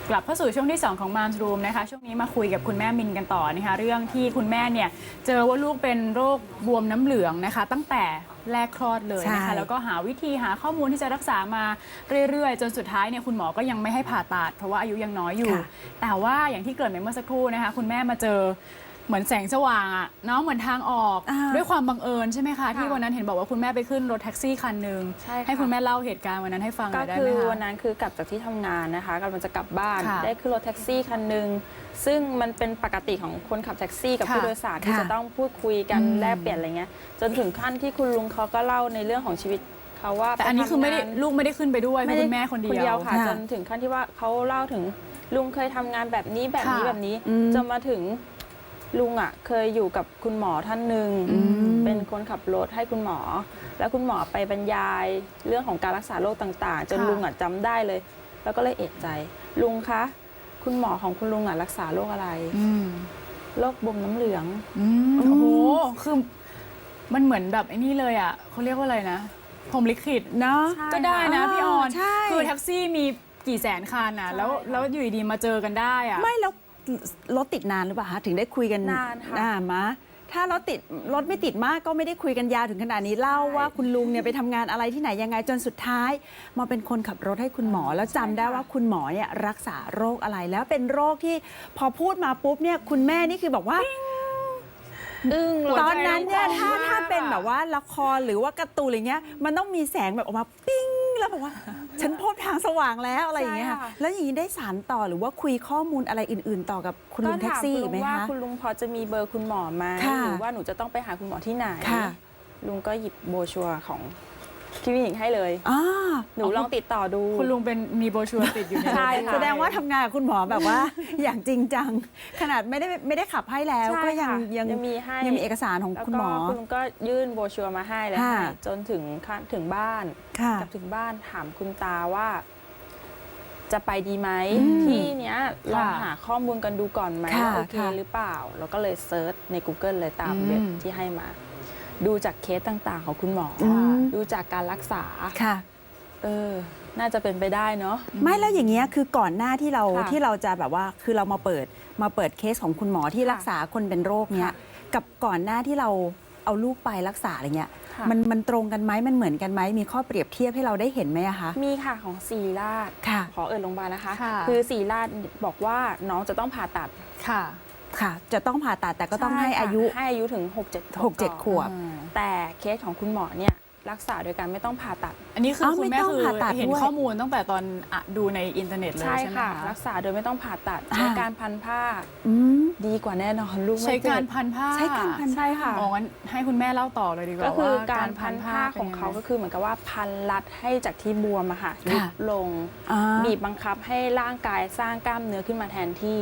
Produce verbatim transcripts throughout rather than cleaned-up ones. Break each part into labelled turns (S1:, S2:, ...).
S1: กลับเข้าสู่ช่วงที่สองของ Moms Room นะคะช่วงนี้มาคุยกับคุณแม่มินกันต่อนะคะเรื่องที่คุณแม่เนี่ยเจอว่าลูกเป็นโรคบวมน้ำเหลืองนะคะตั้งแต่แรกคลอดเลยนะคะแล้วก็หาวิธีหาข้อมูลที่จะรักษามาเรื่อยๆจนสุดท้ายเนี่ยคุณหมอก็ยังไม่ให้ผ่าตัดเพราะว่าอายุยังน้อยอยู่แต่ว่าอย่างที่เกริ่นไปเมื่อสักครู่นะคะคุณแม่มาเจอเหมือนแสงสว่างอะเนาะเหมือนทางออกด้วยความบังเอิญใช่ไหมคะที่วันนั้นเห็นบอกว่าคุณแม่ไปขึ้นรถแท็กซี่คันหนึ่งให้คุณแม่เล่าเหตุการณ์วันนั้นให้ฟังหน่อยได้ไหมคะ
S2: ก็คือวันนั้นคือกลับจากที่ทำงานนะคะกำลังจะกลับบ้านได้ขึ้นรถแท็กซี่คันหนึ่งซึ่งมันเป็นปกติของคนขับแท็กซี่กับผู้โดยสารที่จะต้องพูดคุยกันแลกเปลี่ยนอะไรเงี้ยจนถึงขั้นที่คุณลุงเขาก็เล่าในเรื่องของชีวิตเขาว่า
S1: แต่อันนี้คือไม่ได้ลูกไม่ได้ขึ้นไปด้วยคุณแม่คนเดียว
S2: ค่ะจนถึงขั้นที่ว่าเขาเล่าถึงลุงเคยทำงานแบบนี้แบบนี้แบบนี้จนมาถึงลุงอ่ะเคยอยู่กับคุณหมอท่านหนึ่งเป็นคนขับรถให้คุณหมอแล้วคุณหมอไปบรรยายเรื่องของการรักษาโรคต่างๆจนลุงอ่ะจำได้เลยแล้วก็เลยเอะใจลุงคะคุณหมอของคุณลุงอ่ะรักษาโรคอะไรโรคบวมน้ำเหลือง
S1: โอ้โหคือมันเหมือนแบบไอ้นี่เลยอ่ะเขาเรียกว่าอะไรนะพรหมลิขิตเนาะก็ได้นะพี่ออนคือแท็กซี่มีกี่แสนคันอ่ะแล้วแล้วอยู่ดีๆมาเจอกันได้อ่ะ
S3: ไม่แล้วรถติดนานหรือเปล่าคะถึงได้คุยกัน
S2: นานค่ะ
S3: อ่ามะถ้ารถติดรถไม่ติดมากก็ไม่ได้คุยกันยาวถึงขนาดนี้เล่าว่าคุณลุงเนี่ยไปทำงานอะไรที่ไหนยังไงจนสุดท้ายมาเป็นคนขับรถให้คุณหมอแล้วจำได้ว่าคุณหมอเนี่ยรักษาโรคอะไรแล้วเป็นโรคที่พอพูดมาปุ๊บเนี่ยคุณแม่นี่คือบอกว่าตอนนั้นเนี่ยถ้าถ้าเป็นแบบว่าละครหรือว่าการ์ตูนอะไรเงี้ยมันต้องมีแสงแบบออกมาปิ้งแล้วบอกว่าฉันพบทางสว่างแล้วอะไรอย่างเงี้ยค่ะแล้วอย่างนี้ได้สารต่อหรือว่าคุยข้อมูลอะไรอื่นๆต่อกับคุณลุงแท็กซี่ไหมคะ
S2: ว่าคุณลุงพอจะมีเบอร์คุณหมอไหมหรือว่าหนูจะต้องไปหาคุณหมอที่ไหนลุงก็หยิบโบชัวร์ของคลินิกให้เลยหนูลองติดต่อดู
S1: คุณลุงเป็นมีโบชัวร์ติดอยู่ใน
S3: ใช่แสดงว่าทำงานกับคุณหมอแบบว่าอย่างจริงจังขนาดไม่ได้ไม่ได้ขับให้แล้วก็ยังยัง
S2: มีให้
S3: ยังมีเอกสารของคุณหมอ
S2: คุณลุงก็ยื่นโบชัวร์มาให้เลยจนถึงถึงบ้านกลับถึงบ้านถามคุณตาว่าจะไปดีไหมที่เนี้ยลองหาข้อมูลกันดูก่อนไหมโอเคหรือเปล่าแล้วก็เลยเซิร์ชใน กูเกิล เลยตามเว็บที่ให้มาดูจากเคสต่างๆของคุณหมอดูจากการรักษา
S3: ค่ะ
S2: เออน่าจะเป็นไปได้เนาะ
S3: ไม่แล้วอย่างเงี้ยคือก่อนหน้าที่เราที่เราจะแบบว่าคือเรามาเปิดมาเปิดเคสของคุณหมอที่รักษาคนเป็นโรคเนี้ยกับก่อนหน้าที่เราเอาลูกไปรักษาอะไรเงี้ยมันมันตรงกันไหมมันเหมือนกันไหมมีข้อเปรียบเทียบให้เราได้เห็นไหมอะคะ
S2: มีค่ะของศิริราชขอเอ่ยโรงพยาบาลนะคะคือศิริราชบอกว่าน้องจะต้องผ่าตัด
S1: ค่ะ
S3: ค่ะจะต้องผ่าตัดแต่ก็ต้องให้อายุ
S2: ให้อายุถึงหกเจ็ด
S3: หกเจ็ดขวบ
S2: แต่เคสของคุณหมอเนี่ยรักษาโดยการไม่ต้องผ่าตัด
S1: อันนี้คือคุณแม่คือเห็นข้อมูลตั้งแต่ตอนดูในอินเทอร์เน็ตเลยใช่ไหมคะ
S2: รักษาโดยไม่ต้องผ่าตัดใช้การพันผ้าดีกว่าแน่นอนลูก
S1: ใช้การพันผ้า
S3: ใช้การพัน
S2: ใช่ค่ะ
S1: อ๋องั้นให้คุณแม่เล่าต่อเลยดีกว่า
S2: ก็คือการพันผ้าของเขาก็คือเหมือนกับว่าพันรัดให้จากที่บวมอะค่ะยุบลงบีบบังคับให้ร่างกายสร้างกล้ามเนื้อขึ้นมาแทนที่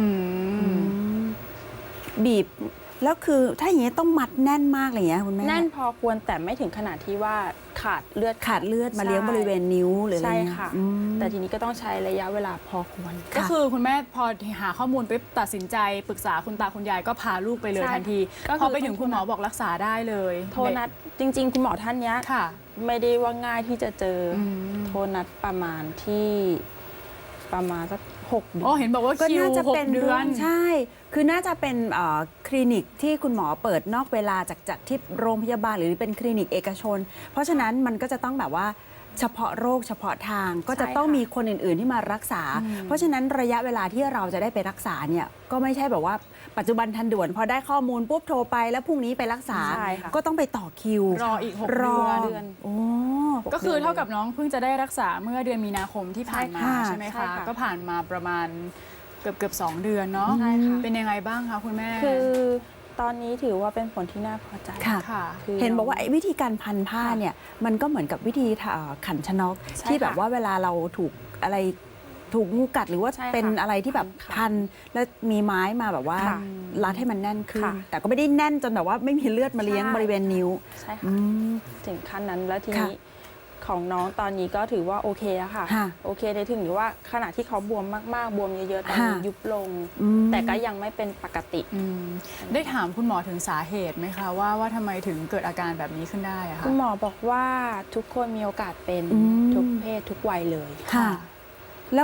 S3: บีบแล้วคือถ้าอย่างนี้ต้องมัดแน่นมากเลยเงี้ยคุณแม่
S2: แน่นพอควรแต่ไม่ถึงขนาดที่ว่าขาดเลือด
S3: ขาดเลือดมาเลี้ยงบริเวณนิ้วหรืออะไร
S2: ใช่ค่ะแต่ทีนี้ก็ต้องใช้ระยะเวลาพอควร
S1: ก็คือคุณแม่พอหาข้อมูลไปตัดสินใจปรึกษาคุณตาคุณยายก็พาลูกไปเลยทันทีพอไปถึงคุณหมอบอกรักษาได้เลย
S2: โทรนัดจริงๆคุณหมอท่านนี้ไม่ได้ว่าง่ายที่จะเจอโทรนัดประมาณที่ประมาณสักหกเดือน
S1: อ๋อเห็นบอกว่าคิวหกเดือน
S3: ใช่คือน่าจะเป็นคลินิกที่คุณหมอเปิดนอกเวลาจากจากที่โรงพยาบาลหรือเป็นคลินิกเอกชนเพราะฉะนั้นมันก็จะต้องแบบว่าเฉพาะโรคเฉพาะทางก็จะต้องมีคนอื่นๆที่มารักษาเพราะฉะนั้นระยะเวลาที่เราจะได้ไปรักษาเนี่ยก็ไม่ใช่แบบว่าปัจจุบันทันด่วนพอได้ข้อมูลปุ๊บโทรไปแล้วพรุ่งนี้ไปรักษาก็ต้องไปต่อคิว
S1: รออีกหกเดือนโอ้ก็คือเท่ากับน้องเพิ่งจะได้รักษาเมื่อเดือนมีนาคมที่ผ่านมาใช่ไหมคะก็ผ่านมาประมาณเกือบเกือบสองเดือนเนาะเป็นยังไงบ้างคะคุณแม่
S2: คือตอนนี้ถือว่าเป็นผลที่น่าพอใจ
S3: ค่ะเห็นบอกว่าวิธีการพันผ้าเนี่ยมันก็เหมือนกับวิธีขันชนกที่แบบว่าเวลาเราถูกอะไรถูกงูกัดหรือว่าเป็นอะไรที่แบบพันแล้วมีไม้มาแบบว่ารัดให้มันแน่นขึ้นแต่ก็ไม่ได้แน่นจนแบบว่าไม่มีเลือดมาเลี้ยงบริเวณนิ้ว
S2: ใช่ค่ะถึงขั้นนั้นแล้วทีนี้ของน้องตอนนี้ก็ถือว่าโอเคแล้วค่ะโอเคในถึงหรือว่าขณะที่เขาบวมมากๆบวมเยอะๆตอนนี้ยุบลงแต่ก็ยังไม่เป็นปกติ
S1: ได้ถามคุณหมอถึงสาเหตุไหมคะว่าว่าทำไมถึงเกิดอาการแบบนี้ขึ้นได้คะ
S2: คุณหมอบอกว่าทุกคนมีโอกาสเป็นทุกเพศทุกวัยเลย
S3: ค่ะแล้ว
S2: แต่ท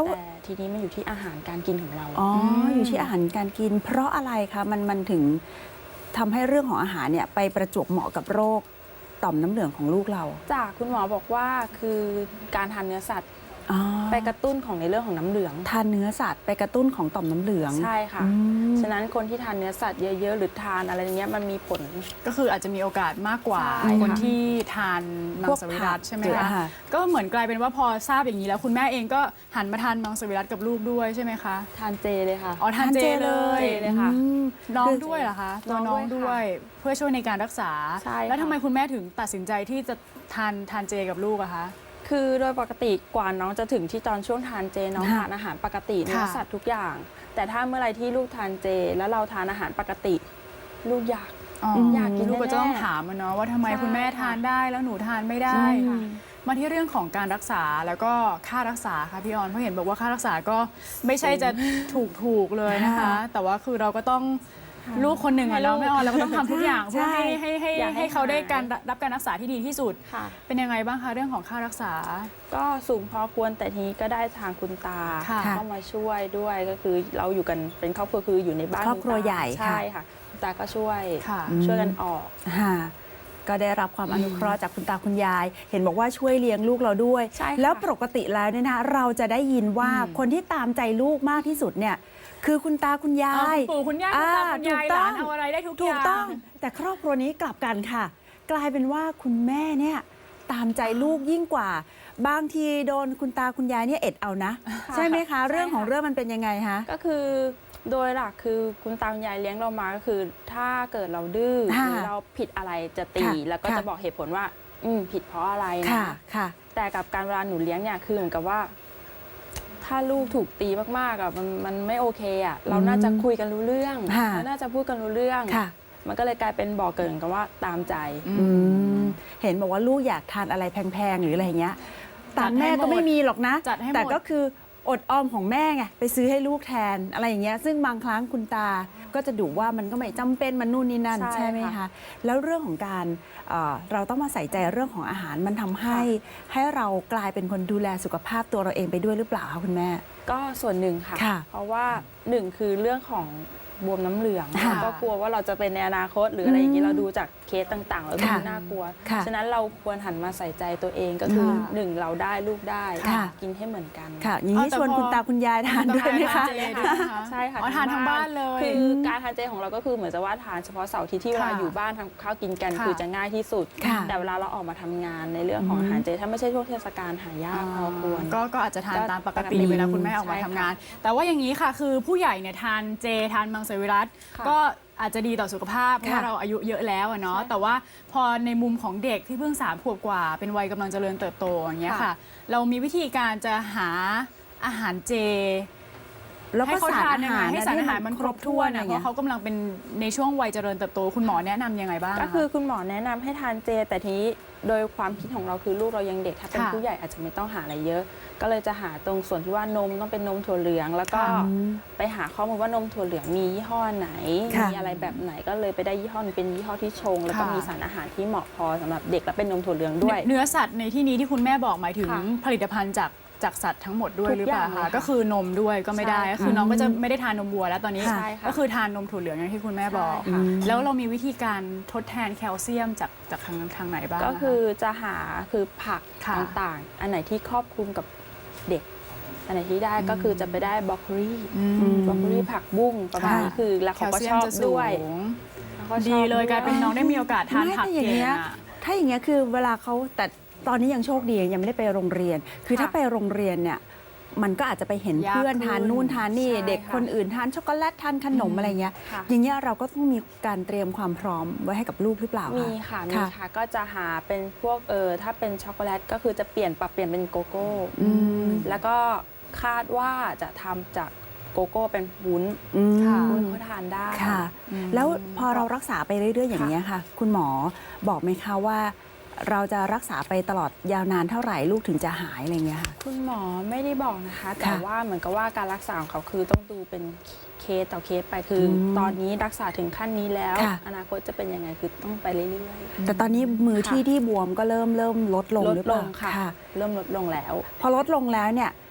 S2: ทีนี้มันอยู่ที่อาหารการกินของเรา
S3: อ๋ออยู่ที่อาหารการกิน เพราะอะไรคะมันมันถึงทำให้เรื่องของอาหารเนี่ยไปประจวบเหมาะกับโรคต่อมน้ำเหลืองของลูกเรา
S2: จากคุณหมอบอกว่าคือการทานเนื้อสัตว์
S3: อ๋อ
S2: ไปกระตุ้นของในเรื่องของน้ำเหลือง
S3: ทานเนื้อสัตว์ไปกระตุ้นของต่อมน้ำเหลือง
S2: ใช่ค่ะ
S3: อืม
S2: ฉะนั้นคนที่ทานเนื้อสัตว์เยอะๆหรือทานอะไรเงี้ยมันมีผล
S1: ก็คืออาจจะมีโอกาสมากกว่า
S2: ใช่ค่ะ
S1: คนที่ทานมังสวิรัต
S3: พวกผัก
S1: ใช่ไหม
S3: เย
S1: คะ
S3: อะค่ะ
S1: ก็เหมือนกลายเป็นว่าพอทราบอย่างนี้แล้วคุณแม่เองก็หันมาทานมังสวิรัตกับลูกด้วยใช่ไหมคะ
S2: ทานเจเลยค่ะ
S1: อ๋อทานเจเลย
S2: เจเลยค่ะ
S3: อืม
S1: น้อง
S3: คือ
S1: ด้วยเหรอคะตัว
S2: น้
S1: น้อ
S2: อง งด้
S1: ด้ว
S2: วย ย
S1: เพื่อช่วยในการรักษา
S2: ใช่ค่ะ
S1: แล้วทำไมคุณแม่ถึงตัดสินใจที่จะทานทานเจกับลูกอะคะ
S2: คือโดยปกติกว่าน้องจะถึงที่ตอนช่วงทานเจน้อง
S3: ค่ะ
S2: ทานอาหารปกติเนื้อสัตว์ทุกอย่าง แต่ถ้าเมื่อไรที่ลูกทานเจ แล้วเราทานอาหารปกติ ลูกอยาก
S1: อ๋อ
S2: อยากกิน
S1: ลูกก็จะต้อง
S2: แน่ๆ
S1: ถามมันเนาะว่าทำไม
S2: ใช่
S1: คุณแม่
S2: ค่ะ
S1: ทานได้แล้วหนูทานไม่ได้
S3: ใช่ค่ะ
S1: มาที่เรื่องของการรักษาแล้วก็ค่ารักษาค่ะพี่ออนเพราะเห็นบอกว่าค่ารักษาก็ไม่ใช่จะถูกถูกๆเลยนะคะ
S3: ค่ะ
S1: แต่ว่าคือเราก็ต้องลูกคนหนึ่งอะเนาะ
S2: ให้ลูก
S1: ไม่ออนเราก็ต้องทำทุกอย่าง
S3: ใช่
S1: เพื่อให้ให้ให้
S2: อยากให้
S1: ให้เขาได้
S2: หาย
S1: การรับการรักษาที่ดีที่สุด
S2: ค่ะ
S1: เป็นยังไงบ้างคะเรื่องของค่ารักษา
S2: ก็สูงพอควรแต่ทีนี้ก็ได้ทางคุณตา
S1: ค่ะ
S2: เข้ามาช่วยด้วยก็คือเราอยู่กันเป็นครอบครัวคืออยู่ในบ้าน
S3: ครอบครัว
S2: ณตา
S3: ใหญ่ค่ะ
S2: ใช่ค่ะคุณตาก็ช่วย
S1: ค่ะ
S2: ช่วยกันออก
S3: ค่ะก็ได้รับความอนุเคราะห์จากคุณตาคุณยาย เห็นบอกว่าช่วยเลี้ยงลูกเราด้วย
S2: ใช่ค่ะ
S3: แล้วปกติแล้วเนี่ยนะเราจะได้ยินว่า
S1: อืม
S3: คนที่ตามใจลูกมากที่สุดเนี่ยคือคุณตาคุณยา
S1: เอา
S3: ย
S1: คุณปู่คุณย่าคุณตาคุณยาย
S3: ถูก
S1: ห
S3: ต้
S1: ลา
S3: อง
S1: นเอาอะไรได้ทุก
S3: ถู
S1: อก ย่าง
S3: ต้อง แต่ครอบครัวนี้กลับกันค่ะ กลายเป็นว่าคุณแม่เนี่ยตามใจลูกยิ่งกว่า บางทีโดนคุณตาคุณยายเนี่ยเอ็ดเอานะ
S2: ค่ะ
S3: ใช่ไหมคะ
S2: ใช่ค่ะ
S3: เรื่องของเรื่องมันเป็นยังไงคะ
S2: ก็คือโดยหลักคือคุณตาคุณยายเลี้ยงเรามาก็คือ ถ้าเกิดเราดื้อ
S3: ค่ะ
S2: หรือเราผิดอะไรจะตี
S3: ค่ะ
S2: แล้วก็
S3: ค่ะ
S2: จะบอกเหตุผลว่า อืมผิดเพราะอะไร
S3: ค่ะ
S2: นะ
S3: ค่ะ
S2: แต่กับการเวลาหนูเลี้ยงเนี่ยคือเหมือนกับว่า ถ้าลูกถูกตีมากๆอ่ะมันมันไม่โอเคอ่ะเราน่าจะคุยกันรู้เรื่อง
S3: ค่ะ
S2: เราน่าจะพูดกันรู้เรื่อง
S3: ค่ะ
S2: มันก็เลยกลายเป็นบ่อเกิดกันว่าตามใจ
S3: อืมเห็นบอกว่าลูกอยากทานอะไรแพงๆ หรืออะไรอย่างเงี้ย
S1: จั
S3: ตา
S1: ด
S3: ม
S1: ให้
S3: แม่ก็ไม่มีหรอกนะ
S1: จัดให้หมด
S3: แต่ก็คืออดออมของแม่ไงไปซื้อให้ลูกแทนอะไรอย่างเงี้ยซึ่งบางครั้งคุณตาก็จะดุว่ามันก็ไม่จำเป็นมันนู่นนี่นั่น
S2: ใช่
S3: ใช่ไหม
S2: ค่ะ
S3: คะ แล้วเรื่องของการเอ่อเราต้องมาใส่ใจเรื่องของอาหารมันทำให้ให้เรากลายเป็นคนดูแลสุขภาพตัวเราเองไปด้วยหรือเปล่าคะคุณแม่
S2: ก็ส่วนหนึ่งค่ะ
S3: ค่ะ
S2: เพราะว่าหนึ่งคือเรื่องของบวมน้ำเหลือง
S3: ค่ะ
S2: ก็กลัวว่าเราจะเป็นในอนาคต หรืออะไรอย่างนี้
S3: อืม
S2: เราดูจากเคสต่างๆ แล้วดู
S3: ค่ะ
S2: น่ากลัว
S3: ค่ะ
S2: ฉะนั้นเราควรหันมาใส่ใจตัวเองก็คือ
S1: ค่ะ
S2: หนึ่งเราได้ลูกได้
S3: ค่ะ
S2: กินให้เหมือนกัน
S3: ค่ะอย่างนี้
S1: เอาแต่
S3: ชวน
S1: พอ
S3: คุณตาคุณยายทานด้วยไหมคะ
S1: ทานเจด้วยนะคะ
S2: ใช่ค่ะ
S1: อ๋อทานทั้งบ้านเลย
S2: คือการทานเจของเราก็คือเหมือนจะว่าทานเฉพาะเสาร์อาที่ที่เวลา
S1: ค่ะ
S2: อยู่บ้านทำข้าวกินกัน
S1: ค่ะ
S2: คือจะง่ายที่สุด
S3: ค่ะ
S2: แต่เวลาเราออกมาทำงานในเรื่องของอาหารเจถ้าไม่ใช่ช่วงเทศกาลหายากพอควร
S1: ก็ก็อาจจะทาน
S2: ก็
S1: ตามปกติ
S2: ปกติ
S1: เวลาคุณแม่ออกมา
S2: ใช่
S1: ทำ
S2: ค่ะ
S1: งาน แต่ว่าอย่างนี้ค่ะคือผู้ใหญ่เนี่ยทานเจทานมังสวิรัต
S2: ค่ะ
S1: ก็อาจจะดีต่อสุขภาพเพราะว่า
S3: ค่ะ
S1: เราอายุเยอะแล้วอะเนาะ
S2: ใช่
S1: แต่ว่าพอในมุมของเด็กที่เพิ่งสามขวบกว่า เป็นวัยกำลังเจริญเติบโตอย่างเงี้ย
S2: ค่ะ
S1: ค่ะ เรามีวิธีการจะหาอาหารเจ
S3: แล้ว
S1: ให้
S3: ก็
S1: เขา
S3: สาร
S1: ทาน
S3: อา
S1: ยัง
S3: หา
S1: ไง
S3: ร
S1: ให้สารอาหารมันครบถ้วน
S3: อะไร
S1: อะเพ
S3: เงี้
S1: ราะ
S3: ย
S1: เขากำลังเป็นในช่วงวัยเจริญเติบโตคุณหมอแนะนำยังไงบ้างะ
S2: ก็คือคุณหมอแนะนำให้ทานเจ แต่ทีนี้โดยความคิดของเราคือลูกเรายังเด็กถ้าเป็น
S1: ค่ะ
S2: ผู้ใหญ่อาจจะไม่ต้องหาอะไรเยอะ ก็เลยจะหาตรงส่วนที่ว่านมต้องเป็นนมถั่วเหลือง แล้วก็
S1: ค่ะ
S2: ไปหาข้อมูลว่านมถั่วเหลืองมียี่ห้อไหน
S3: ค่ะ
S2: มีอะไรแบบไหนก็เลยไปได้ยี่ห้อหนึงเป็นยี่ห้อที่ชง แล้วก็
S1: ค่ะ
S2: มีสารอาหารที่เหมาะพอสำหรับเด็กและเป็นนมถั่วเหลืองด้วย
S1: เนื้อสัตว์ในที่นี้ที่คุณแม่บอกหมายถึง
S2: ค่ะ
S1: ผลิตภัณฑ์จากจากสัตว์ทั้งหมดด้วย
S2: ทุก
S1: หรือเปล่า
S2: อย่างเลย
S1: คะ
S2: ค่ะ
S1: ก็คือนมด้วยก็ไม่ได้
S2: ใช่ค่ะ
S1: ก็คือน้องก็จะไม่ได้ทานนมวัวแล้วตอนนี้
S2: ใช่ค่ะ
S1: ก็คือทานนมถั่วเหลืองอย่างที่คุณแม่บอก
S2: ใช่ค่ะ
S1: แล้วเรามีวิธีการทดแทนแคลเซียมจากจากทางทางไหนบ้าง
S2: ก็
S1: ะะ
S2: คือจะหาคือผัก
S1: ค่ะ
S2: ต่างๆ อันไหนที่ครอบคลุมกับเด็ก อันไหนที่ได้ก็คือจะไปได้บรอกโคลี
S1: อืม
S2: บรอกโคลีผักบุ้งประมาณ
S3: ค่ะ
S2: นี้คือแล้ว
S1: แค
S2: เขา
S1: ล
S2: ก็
S1: เซีย
S2: ช
S1: ม
S2: อบ
S1: จะสู
S2: ด้วย
S1: ง
S2: แล้วก็ชอบ
S1: ดีเลยกลายเป็นน้องได้มีโอกาสทาน
S3: ไม่
S1: ผัก
S3: แต่อย่าง
S1: เก่ง
S3: เงี้ย
S1: อะ
S3: ถ้าอย่างเงี้ยคือเวลาเขาแต่ตอนนี้ยังโชคดียังไม่ได้ไปโรงเรียน คือ
S2: ค่ะ
S3: ถ้าไปโรงเรียนเนี่ยมันก็อาจจะไปเห็น
S1: ยาก
S3: เพื่อน
S1: ขึ้น
S3: ทานนู่นทานนี่
S2: ใช่
S3: เด็ก
S2: ค่ะ
S3: คนอื่นทานช็อกโกแลตทานขนมอะไรเงี้ย
S2: ค่ะ
S3: อย่างเงี้ยเราก็ต้องมีการเตรียมความพร้อมไว้ให้กับลูกหรือเปล่า
S2: มี
S3: คะ
S2: ค่ะมี
S3: ค่ะ
S2: ค่ะก็จะหาเป็นพวกเออถ้าเป็นช็อกโกแลตก็คือจะเปลี่ยนปรับเปลี่ยนเป็นโกโก้
S3: อืม
S2: แล้วก็คาดว่าจะทำจากโกโก้เป็นวุ้น
S3: อืม
S1: ค่ะ
S2: วุ้นเขาทานได้
S3: ค่ะ
S1: อืม
S3: แล้วพอเรารักษาไปเรื่อย ๆ อย่างนี้ยค่ะ คุณหมอบอกไหมคะว่า เราจะรักษาไปตลอดยาวนานเท่าไหร่ลูกถึงจะหายอะไรเงี้ยค่ะ
S2: คุณหมอไม่ได้บอกนะคะ แต่
S3: ค่ะ
S2: ว่าเหมือนกับว่าการรักษาของเขาคือต้องดูเป็นเคสต่อเคสไปคืออ
S3: ม
S2: ตอนนี้รักษาถึงขั้นนี้แล้ว
S3: ค่ะ
S2: อนาคตจะเป็นยังไงคือต้องไปเรื่อย
S3: แต่ตอนนี้มือ
S2: ค่ะ
S3: ที่ที่บวมก็เริ่มเริ่มลดลง
S2: ลด
S3: หรือเป
S2: ล
S3: ล่าง
S2: ค่ะ เริ่มลดลงแล้ว
S3: พอลดลงแล้วเนี่ย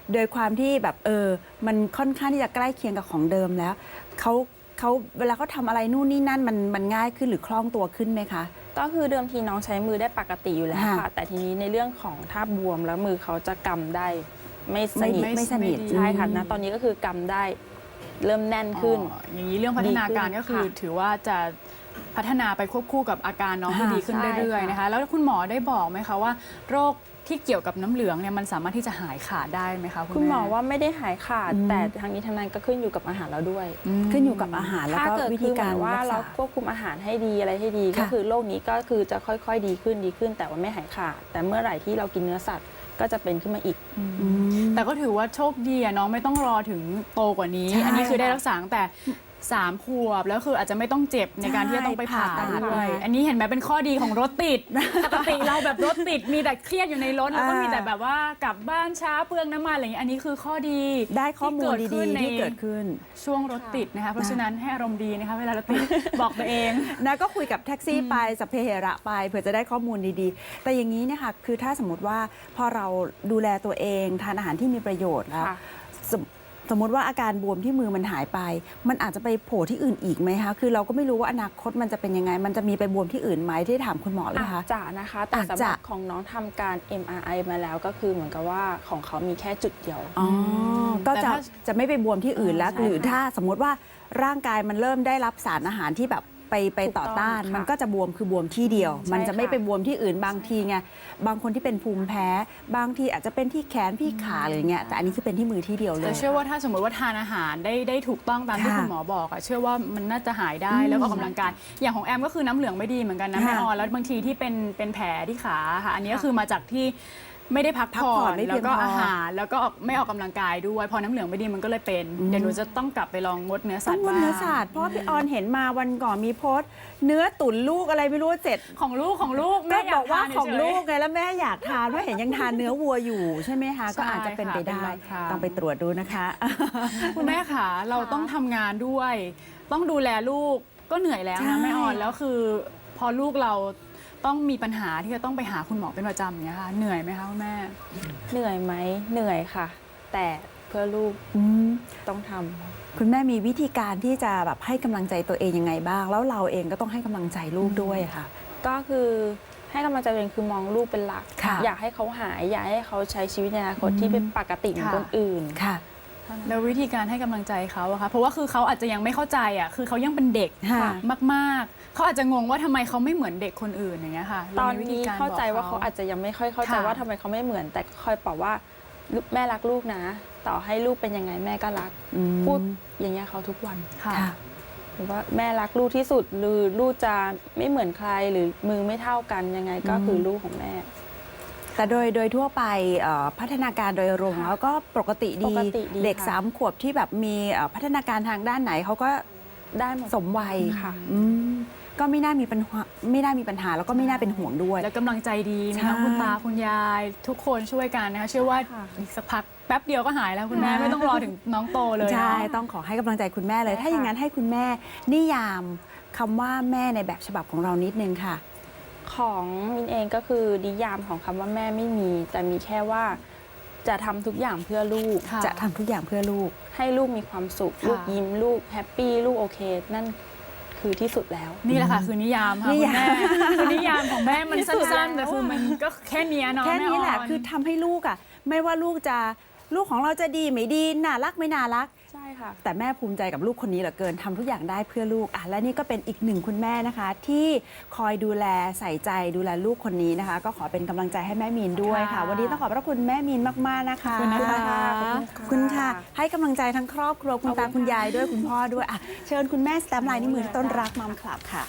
S3: โดยความที่แบบเออมันค่อนข้างที่จะใกล้เคียงกับของเดิมแล้วเขาเขาเวลาเขาทำอะไรนู่นนี่นั่นมันมันง่ายขึ้นหรือคล่องตัวขึ้นไหมคะ
S2: ก็คือเดิมทีน้องใช้มือได้ปกติอยู่แล้ว
S3: ค่ะ
S2: ค่ะ แต่ทีนี้ในเรื่องของถ้าบวมแล้วมือเขาจะกำได้ไม่ส
S3: ไม่
S2: นิท
S3: ไม่สนิท
S2: ใช่ค่ะนะตอนนี้ก็คือกำได้เริ่มแน่นขึ้น
S1: อ๋ออย่างนี้เรื่องพัฒนาการก็คือ
S2: ดีขึ้นค่ะ
S1: ถือว่าจะพัฒนาไปควบคู่กับอาการน้องที่
S3: ค่ะ
S1: ดีขึ้น
S2: ใช่
S1: เรื่อยๆ
S2: ค่ะ
S1: นะคะ แล้วคุณหมอได้บอกไหมคะว่าโรคที่เกี่ยวกับน้ำเหลืองเนี่ยมันสามารถที่จะหายขาดได้ไหมคะคุณ
S2: คุณหมอ
S1: แม่
S2: ว่าไม่ได้หายขาด
S3: อืม
S2: แต่ทางนี้ทางนั้นก็ขึ้นอยู่กับอาหารเราด้วย
S1: อืม
S3: ขึ้นอยู่กับอาหารแล้ว
S2: ถ้า
S3: ก็
S2: เกิด
S3: วิ
S2: คื
S3: ธี
S2: อเห
S3: กา
S2: มื
S3: ร
S2: อนว่า
S3: รัก
S2: เรา
S3: ษา
S2: ควบคุมอาหารให้ดีอะไรให้ดี
S3: ค่ะ
S2: ก็คือโรคนี้ก็คือจะค่อยๆดีขึ้นดีขึ้น แต่ว่าไม่หายขาด แต่เมื่อไหร่ที่เรากินเนื้อสัตว์ก็จะเป็นขึ้นมาอีก
S3: อืม
S1: แต่ก็ถือว่าโชคดีอะน้องไม่ต้องรอถึงโตกว่านี้
S3: ใช่
S1: อันนี้คือได้รักษาตั้งแต่สามขวบแล้วคืออาจจะไม่ต้องเจ็บในการที่จะต้องไปผ่า
S3: ผ่าตัด
S1: ด้วย
S3: มา
S1: อันนี้เห็นไหมเป็นข้อดีของรถติด ปกติเราแบบรถติดมีแต่เครียดอยู่ในรถแล้วก็
S3: อ่ามี
S1: มีแต่แบบว่ากลับบ้านช้าเปลืองน้ำมันอะไรอย่างนี้อันนี้คือข้อดี
S3: ได้ข้อมูล
S1: ที่เกิ
S3: ดี
S1: ขึ้น
S3: ๆ
S1: ใน
S3: ที่เกิดขึ้น
S1: ช่วงรถติดนะคะเพราะฉะนั้นให้อารมณ์ดีนะคะเวลารถติด บอกตัวเอง
S3: นะก็คุยกับแท็กซี่ไปสัพเพเหระไปเผื่อจะได้ข้อมูลดีๆ แต่อย่างนี้เนี่ยค่ะคือถ้าสมมติว่าพอเราดูแลตัวเองทานอาหารที่มีประโยชน์แล้ว
S2: ค่ะ
S3: สมสมมติว่าอาการบวมที่มือมันหายไป มันอาจจะไปโผล่ที่อื่นอีกไหมคะคือเราก็ไม่รู้ว่าอนาคตมันจะเป็นยังไง มันจะมีไปบวมที่อื่นไหมที่ถามคุณหมอเลย
S2: อา
S3: คะ
S2: จจะนะคะ แต่
S3: อาจ
S2: สำห
S3: จะ
S2: รับของน้องทำการ เอ็ม อาร์ ไอ มาแล้วก็คือเหมือนกับว่าของเขามีแค่จุดเดียว
S3: อ๋อก็
S1: แต่
S3: จะ
S1: ถ้า
S3: จะไม่ไปบวมที่อื่นแล้ว
S2: ใช่
S3: หรือ
S2: ค่ะ
S3: ถ้าสมมติว่าร่างกายมันเริ่มได้รับสารอาหารที่แบบไปไป
S2: ถูกต้
S3: ต่
S2: อ
S3: อง ต้าน
S2: ค่ะ
S3: มันก็จะบวมคือบวมที่เดียว
S2: ใช่
S3: มันจะไม่
S2: ค่ะ
S3: ไปบวมที่อื่นบางทีไงบางคนที่เป็นภูมิแพ้ บางทีอาจจะเป็นที่แขนที่ขาอะไรอย่างเงี้ยแต่อันนี้คือเป็นที่มือที่เดียวเล
S1: แต่
S3: ย
S1: เชื่อว่าถ้าสมมติว่าทานอาหารได้ได้ถูกต้องตามที่
S3: ค่ะ
S1: คุณหมอบอกอะเชื่อว่ามันน่าจะหายได้
S3: อืม
S1: แล้วก็ออกกำลังกายอย่างของแอมก็คือน้ำเหลืองไม่ดีเหมือนกันนะ
S3: ค่ะ
S1: แม่ออนแล้วบางทีที่เป็นเป็นแผลที่ขาค่ะ อันนี้ก็
S2: ค่ะ
S1: คือมาจากที่ไม่ได้พัก
S3: พัก
S1: ผ่
S3: ผ่
S1: อ
S3: อน
S1: น
S3: ไม่เพี
S1: แล้
S3: ยง
S1: วก็
S3: พออ
S1: อาหารแล้วก็ออกไม่ออกกำลังกายด้วยพอน้ำเหลืองไม่ดีมันก็เลยเป็น
S3: อืม
S1: เดี๋ยวหนูจะต้องกลับไปลองงดเนื้อสั
S3: ต้
S1: ต
S3: อง
S1: ว์
S3: งด
S1: บ้าง
S3: เนื้อสัตว์เพราะว่าพี่ออนเห็นมาวันก่อนมีโพสต์ เนื้อตุ๋นลูกอะไรไม่รู้เสร็จ
S1: ของลูกของลูก
S3: ก็
S1: แม่ย
S3: บอกว่า
S1: ทน
S3: ของ
S1: เฉยๆ
S3: ลูกไงแล้วแม่อยากทานเพราะเห็นยังทานเนื้อวัวอยู่ใช่ไหมคะก็อาจจะเป็นไปได้
S1: เป็นบางครั้ง
S3: ต้องไปตรวจดูนะคะ
S1: คุณแม่ค่ะเราต้องทำงานด้วย ต้องดูแลลูกก็เหนื่อยแล้ว
S3: ใช่
S1: นะแม่ออนแล้วคือ พอลูกเราต้องมีปัญหาที่จะต้องไปหาคุณหมอเป็นประจำอย่างเงี้ยค่ะเหนื่อยไหมคะคุณแม่
S2: เหนื่อยไหมเหนื่อยค่ะ แต่เพื่อลูก
S3: อืม
S2: ต้องทำ
S3: คุณแม่มีวิธีการที่จะแบบให้กำลังใจตัวเองยังไงบ้าง แล้วเราเองก็ต้องให้กำลังใจลูกด้วยค่ะ
S2: ก็คือให้กำลังใจตัวเองคือมองลูกเป็นหลัก
S3: ค่ะ
S2: อยากให้เขาหาย อยากให้เขาใช้ชีวิตในอนาคตที่เป็นปกติเหมือน
S1: ค่ะ
S2: คนอื่น
S3: ค่ะ
S1: แล้ววิธีการให้กำลังใจเขาอะคะเพราะว่าคือเขาอาจจะยังไม่เข้าใจอะคือเขายังเป็นเด็ก
S3: ค่ะ
S1: มากๆ เขาอาจจะงงว่าทำไมเขาไม่เหมือนเด็กคนอื่นอย่างเงี้ยค่ะ
S2: ตอน
S1: รมีวิธี
S2: นี้
S1: กร
S2: เข้าใจ
S1: บอก
S2: ว่าเขาอาจจะยังไม่ค่อยเข้าใจ
S1: ค่ะ
S2: ว่าทำไมเขาไม่เหมือน แต่คอยบอกว่าลูกแม่รักลูกนะ ต่อให้ลูกเป็นยังไงแม่ก็รัก
S3: อืม
S2: พูดอย่างเงี้ยเขาทุกวัน
S1: ค่ะ
S3: ค่ะ
S2: หรือว่าแม่รักลูกที่สุดหรือลูกจะไม่เหมือนใครหรือมือไม่เท่ากันยังไงก็คือลูกของแม่
S3: แต่โดยโดยทั่วไปเอ่อพัฒนาการโดยรวม
S2: ค่ะ
S3: แล้วก็ปกติดี
S2: ปกติดี
S3: เด็ก
S2: ค่ะ
S3: สามขวบที่แบบมีเอ่อพัฒนาการทางด้านไหนเขาก็
S2: ได้หมด
S3: สมวัย
S2: ค่ะ
S3: อืมก็ไม่น่ามีปัญหาไม่น่ามีปัญหาแล้วก็ไม่น่าเป็นห่วงด้วย
S1: แล้วกำลังใจดีมี
S3: ใช่
S1: ทั้งคุณตาคุณยาย ทุกคนช่วยกันนะคะเชื่อว่า
S2: ค่ะ
S1: อีกสักพักแป๊บเดียวก็หายแล้วคุณแม่
S3: ค่ะ
S1: ไม่ต้องรอถึงน้องโตเลย
S3: ใช่
S1: เนาะ
S3: ต้องขอให้กำลังใจคุณแม่เลย
S2: ใช่
S3: ถ้าอย่าง
S2: ค่ะ
S3: นั้นให้คุณแม่นิยามคำว่าแม่ในแบบฉบับของเรานิดนึงค่ะ
S2: ของมินเองก็คือนิยามของคำว่าแม่ไม่มี แต่มีแค่ว่าจะทำทุกอย่างเพื่อลูก
S1: ค่ะ
S3: จะทำทุกอย่างเพื่อลูก
S2: ให้ลูกมีความสุข
S1: ค่ะ
S2: ลูกยิ้มลูกแฮปปี้ลูกโอเค นั่นคือที่สุดแล้ว
S1: นี่แหละค่ะคือนิยามค่ะ
S3: นิ
S1: คุณ
S3: ยาม
S1: แม่คือนิยามของแม่มัน
S2: ที่สุด
S1: สั้นๆ
S2: แล้ว
S1: แต่คือมันก็แค่เนี้ยเนาะ
S3: แค่นี้แหละ
S1: ม่น
S3: คือทำให้ลูกอ่ะ ไม่ว่าลูกจะลูกของเราจะดีไม่ดีน่ารักไม่น่ารัก
S2: ใช่ค่ะ
S3: แต่แม่ภูมิใจกับลูกคนนี้เหลือเกินทำทุกอย่างได้เพื่อลูกอ่ะและนี่ก็เป็นอีกหนึ่งคุณแม่นะคะ ที่คอยดูแลใส่ใจดูแลลูกคนนี้นะคะ ก็ขอเป็นกำลังใจให้แม่มีนด้วยค่ะ
S1: ค่ะ
S3: วันนี้ต้องขอบพระคุณแม่มีนมากๆนะคะ
S1: ขอบคุณนะคะ
S2: ขอบ
S3: ขอบคุณค่ะ ให้กำลังใจทั้งครอบครัวคุณตาคุณยายด้วยคุณพ่อด้วยอ่ะเชิญคุณแม่สแตมป์ลายนิ้วมือที่ต้นรักมัมคลับค่ะ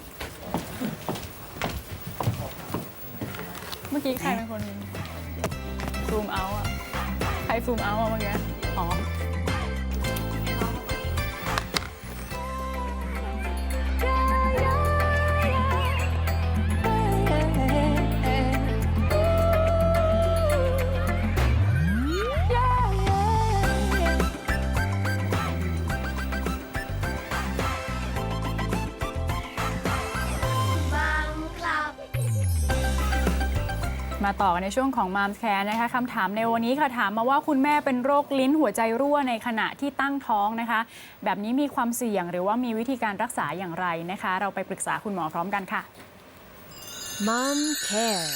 S1: เมื่อกี้ใครเป็นคนซูมเอาอะใครซูมเอาอะเมื่อกี้อ๋อ มมาต่อกันในช่วงของ Mom Care นะคะคำถามในวันนี้ค่ะถามมาว่าคุณแม่เป็นโรคลิ้นหัวใจรั่วในขณะที่ตั้งท้องนะคะแบบนี้มีความเสี่ยงหรือว่ามีวิธีการรักษาอย่างไรนะคะเราไปปรึกษาคุณหมอพร้อมกันค่ะ
S4: Mom Care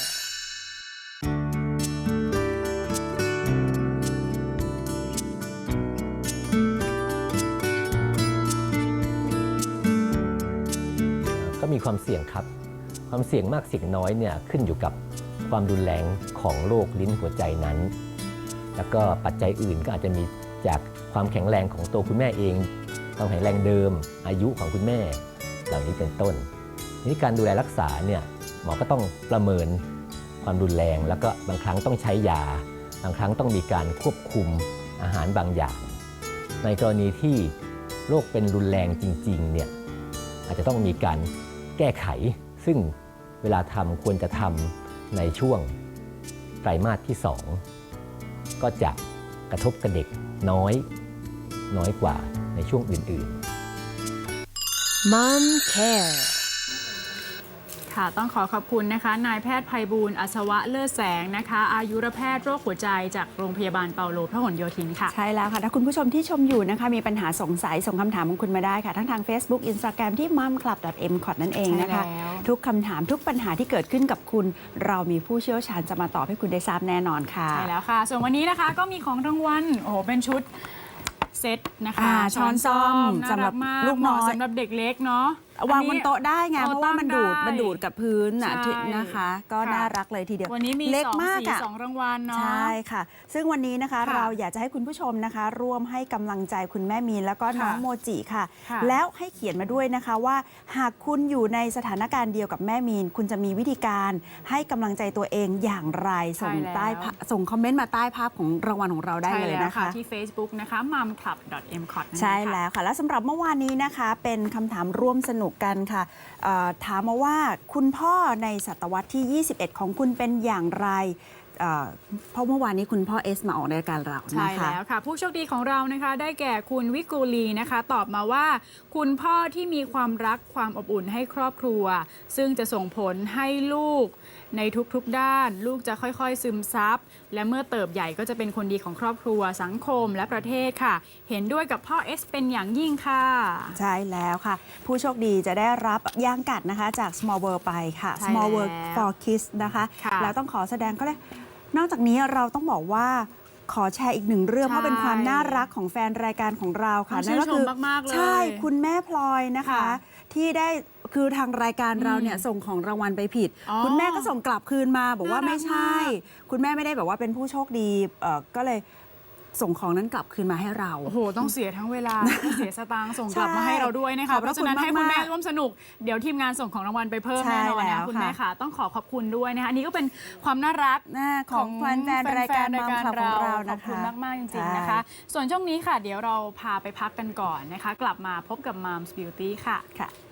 S5: ก็มีความเสี่ยงครับความเสี่ยงมากเสี่ยงน้อยเนี่ยขึ้นอยู่กับความรุนแรงของโรคลิ้นหัวใจนั้นแล้วก็ปัจจัยอื่นก็อาจจะมีจากความแข็งแรงของตัวคุณแม่เองความแข็งแรงเดิมอายุของคุณแม่เหล่านี้เป็นต้นทีนี้การดูแลรักษาเนี่ยหมอก็ต้องประเมินความรุนแรงแล้วก็บางครั้งต้องใช้ยาบางครั้งต้องมีการควบคุมอาหารบางอย่างในกรณีที่โรคเป็นรุนแรงจริงๆเนี่ยอาจจะต้องมีการแก้ไขซึ่งเวลาทำควรจะทำในช่วงไตรมาสที่สองก็จะกระทบกับเด็กน้อยน้อยกว่าในช่วงอื่นๆ
S4: Mom Care
S1: ค่ะต้องขอขอบคุณนะคะนายแพทย์ไพบูลย์อัศวะเลิศแสงนะคะอายุรแพทย์โรคหัวใจจากโรงพยาบาลเปาโลพหลโยธินค่ะ
S3: ใช่แล้วค่ะถ้าคุณผู้ชมที่ชมอยู่นะคะมีปัญหาสงสัยส่งคำถามของคุณมาได้ค่ะทั้งทาง Facebook Instagram ที่ มัมคลับ ดอท เอ็ม คอท นั่นเองนะคะ
S1: ใช่แล้ว
S3: ทุกคำถามทุกปัญหาที่เกิดขึ้นกับคุณเรามีผู้เชี่ยวชาญจะมาตอบให้คุณได้ทราบแน่นอนค่ะ
S1: ใช่แล้วค่ะ ส่วนวันนี้นะคะก็มีของรางวัลโอ้โหเป็นชุดเซตนะคะ
S3: อ่าช้อนส้อม
S1: น่า
S3: สำหรั
S1: รับ กมาก
S3: ลูกน้อย
S1: เหมาะสำหรับเด็กเล็กเนาะ
S3: วางบนโต๊ะได้ไง
S1: โต๊ะ
S3: เพราะว่ามันดูด
S1: ตั้งได้
S3: มันดูดกับพื้นน่ะ
S1: ใช่
S3: ที่นะคะ ก็
S1: ค่ะ
S3: น่ารักเลยทีเดียว
S1: วันนี้มี
S3: เล็ก
S1: สอง
S3: มาก
S1: สี
S3: อะ
S1: สองรางวัลเนาะ
S3: ใช่ค่ะ ซึ่งวันนี้นะคะ
S1: ค่ะ
S3: เราอยากจะให้คุณผู้ชมนะคะ ร่วมให้กำลังใจคุณแม่มีนแล้วก็น้อง
S1: ค่ะ
S3: โมจิค่ะ
S1: ค่ะ
S3: แล้วให้เขียนมาด้วยนะคะว่า หากคุณอยู่ในสถานการณ์เดียวกับแม่มีน คุณจะมีวิธีการให้กำลังใจตัวเองอย่างไรส่ง
S1: ใช่แล้ว
S3: ใต้ภาพส่งคอมเมนต์มาใต้ภาพของรางวัลของเราได้
S1: ใช่
S3: เลย
S1: แล้ว
S3: นะคะ
S1: ที่ Facebook นะคะ มัมคลับ ดอท เอ็ม คอท
S3: ใช่แล้วค่ะ และสำหรับเมื่อวานนี้นะคะ เป็นคำถามร่วมสนุกกันค่ะเอ่อถามมาว่าคุณพ่อในศตวรรษที่ ยี่สิบเอ็ด ของคุณเป็นอย่างไรเอ่อเพราะเมื่อวานนี้คุณพ่อเอสมาออกในรายการเรา
S1: ใช่
S3: นะคะ
S1: แล้วค่ะ ผู้โชคดีของเรานะคะ ได้แก่คุณวิกูลีนะคะ ตอบมาว่า คุณพ่อที่มีความรักความอบอุ่นให้ครอบครัว ซึ่งจะส่งผลให้ลูกในทุกๆด้าน ลูกจะค่อยๆซึมซับและเมื่อเติบใหญ่ก็จะเป็นคนดีของครอบครัวสังคมและประเทศค่ะ เห็นด้วยกับพ่อเอสเป็นอย่างยิ่งค่ะ
S3: ใช่แล้วค่ะ ผู้โชคดีจะได้รับย่างกัดนะคะจาก Small World ไปค่ะ
S1: ใช่
S3: Small World
S1: แล้ว
S3: for Kids นะคะ
S1: ค่ะ
S3: แล้วต้องขอแสดงก็เลยนอกจากนี้เราต้องบอกว่าขอแชร์อีกหนึ่งเรื่อง
S1: ใช่
S3: เพราะเป็นความน่ารักของแฟนรายการของเราค่ะ
S1: ต้องชื่น
S3: ก็คื
S1: ชมมากๆเลย
S3: ใช่คุณแม่พลอยนะคะ
S1: ค่ะ
S3: ที่ได้คือทางรายการเราเนี่ย
S1: อืม
S3: ส่งของรางวัลไปผิด
S1: อ๋อ
S3: คุณแม่ก็ส่งกลับคืนมาบอกว่า
S1: น่ารัก
S3: ไม่ใช่
S1: มาก
S3: คุณแม่ไม่ได้แบบว่าเป็นผู้โชคดีเอ่อก็เลยส่งของนั้นกลับคืนมาให้เรา
S1: โอ้โห ต้องเสียทั้งเวลา ต้องเสียสตางค์ส่งกลับ
S3: ใช่
S1: มาให้เราด้วยนะ
S3: ขอ
S1: คะ
S3: บ
S1: เพ
S3: พระ
S1: ราะฉะนั้น
S3: คุณ
S1: ให้คุณ
S3: มากๆ
S1: แม่ร่วมสนุก เดี๋ยวทีมงานส่งของรางวัลไปเพิ่ม
S3: ใช่
S1: แน่นอน
S3: แล้
S1: นะ
S3: ว
S1: คุณ
S3: ค่ะ
S1: แม่ค่ะ ต้องขอขอบคุณด้วยนะคะ อันนี้ก็เป็นความน่ารัก
S3: หน้าของแฟนแฟนๆรายการมัมคลับของเรานะคะ
S1: ขอบคุณมาก ๆ จริง ๆ
S3: ใช่
S1: นะคะ ส่วนช่วงนี้ค่ะ เดี๋ยวเราพาไปพักกันก่อนนะคะ กลับมาพบกับ Mom's Beauty ค่ะ
S3: ค่ะ